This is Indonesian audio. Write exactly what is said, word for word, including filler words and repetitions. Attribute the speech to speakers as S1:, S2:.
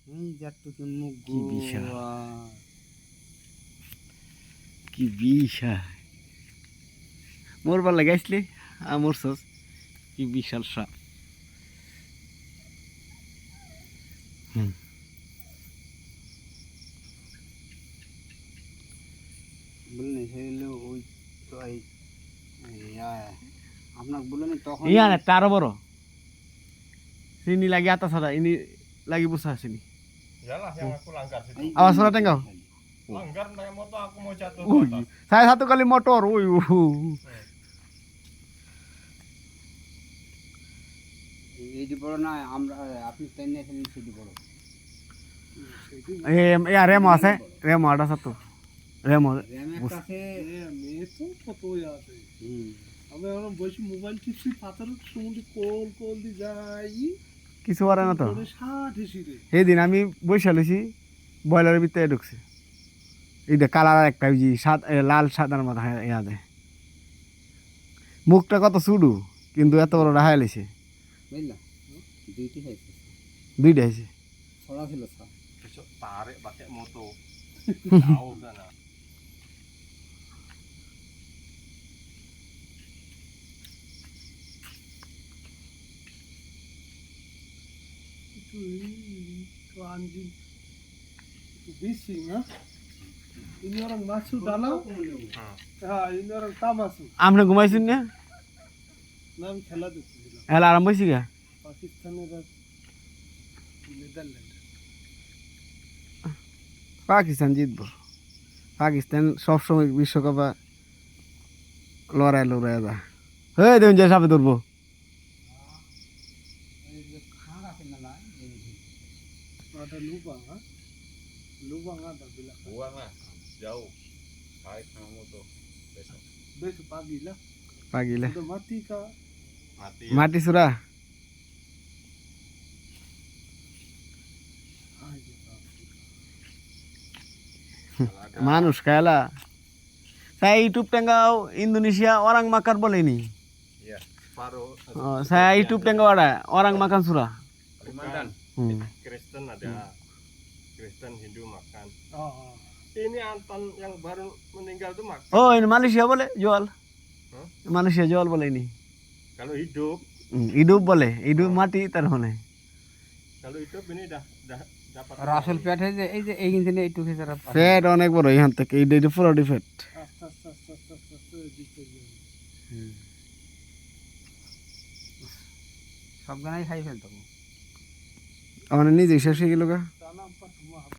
S1: এই যাটুকু মুখ
S2: কি বিশাল।
S1: গোয়া।
S2: কি বিশাল মরবার লাগে আসলে আমার সস কি বিশাল সাপ। হুম
S1: বললেন সেগুলো ওই তো এই ইয়া, আপনাকে বললেন তখন
S2: ইয়া না তারও বড় চিনি লাগি আতা ছাড়া ইনি লাগি বুঝা চিনি
S3: Iyalah yang aku langgar situ.
S1: এই
S2: আবার সোনা টেঙ্গাও
S3: Langgar naik motor aku mau jatuh ke
S2: ওই
S3: atas.
S2: saya satu kali motor ওই
S1: এইটি বড় না, আমরা আপনি তাই নিয়েছিলেন সেটি বড়।
S2: এ ইয়া রেমো আছে রেমো আটা সাতো রেমো
S1: র্যামের কাছে
S4: মেয়ে তো কতই আছে।
S1: হুম,
S4: আমি এখন বসে মোবাইল টিপছি, পাথরের সমুদ্রে কোল কোল দিয়ে যাই
S2: কিছু পারে না তো
S4: ষাট হিসিরে
S2: সেই দিন আমি বৈশা লইছি বয়লারের ভিতরে ঢুকছে এই দেখ কালার একটা ওই যে সাদ এ, লাল সাদার মতো ইয়া দেয় মুখটা কত সুডু কিন্তু এত বড় রাহাই লিছে
S1: বুঝলাম দুইটি হয়েছে,
S2: দুইটা হয়েছে
S1: ছড়া ছিল ছড়া।
S3: Besok tarik pakai moto. Tahu sana.
S4: একটু একটু আঞ্জিন একটু বেশি না। ini orang masuk dalam, ya ini orang tak masuk.
S2: আপনি ঘুমাইছেন না
S4: নাম খেলা দেখছিলাম
S2: এলা আরাম হয়েছি গা
S4: পাকিস্তানের আর নেদারল্যান্ড।
S2: পাকিস্তান জিতব পাকিস্তান সবসময় বিশ্বকাপে লড়াই লড়াই যা হয়ে দেখুন যে সাপে ধরবো
S1: এই যে খাঁড় আছে না না, এই যে
S4: ada lubang, ha? Lubang ada bilang.
S3: Buang lah. Jauh. Tarik sama moto. Besok.
S4: Besok pagi lah.
S2: পাগিলে
S4: Udah mati kah?
S3: Mati.
S2: মাটি চূড়া
S4: Ah, gitu.
S2: মানুষ খায়লা saya ইউটিউব টেঙ্গাও Indonesia orang makan boleh nih
S3: Iya. Separuh.
S2: oh, saya YouTube tengok ada orang makan surah
S3: Kalimantan.
S2: hmm.
S3: Kristen ada. Kristen Hindu makan.
S4: Ah, ah.
S3: Ini Anton yang baru meninggal tuh makan.
S2: oh ini Malaysia boleh jual
S3: Hah?
S2: Malaysia jual boleh ini
S3: Kalau hidup,
S2: hmm. hidup boleh hidup mati terhone
S3: kalau hidup ini dah dah dapat.
S1: আর আসল পেট হয়েছে এই যে এই কিন্তু এইটুকু ছাড়া
S2: ফ্যাট অনেক বড় এখান থেকে এইটা পুরো fat
S4: Aste, aste, aste, aste, aste, aste, দিতে গিয়ে।
S1: সব গানাই খাই ফেলতো।
S2: আমার নিজে শেষ হয়ে গেল গা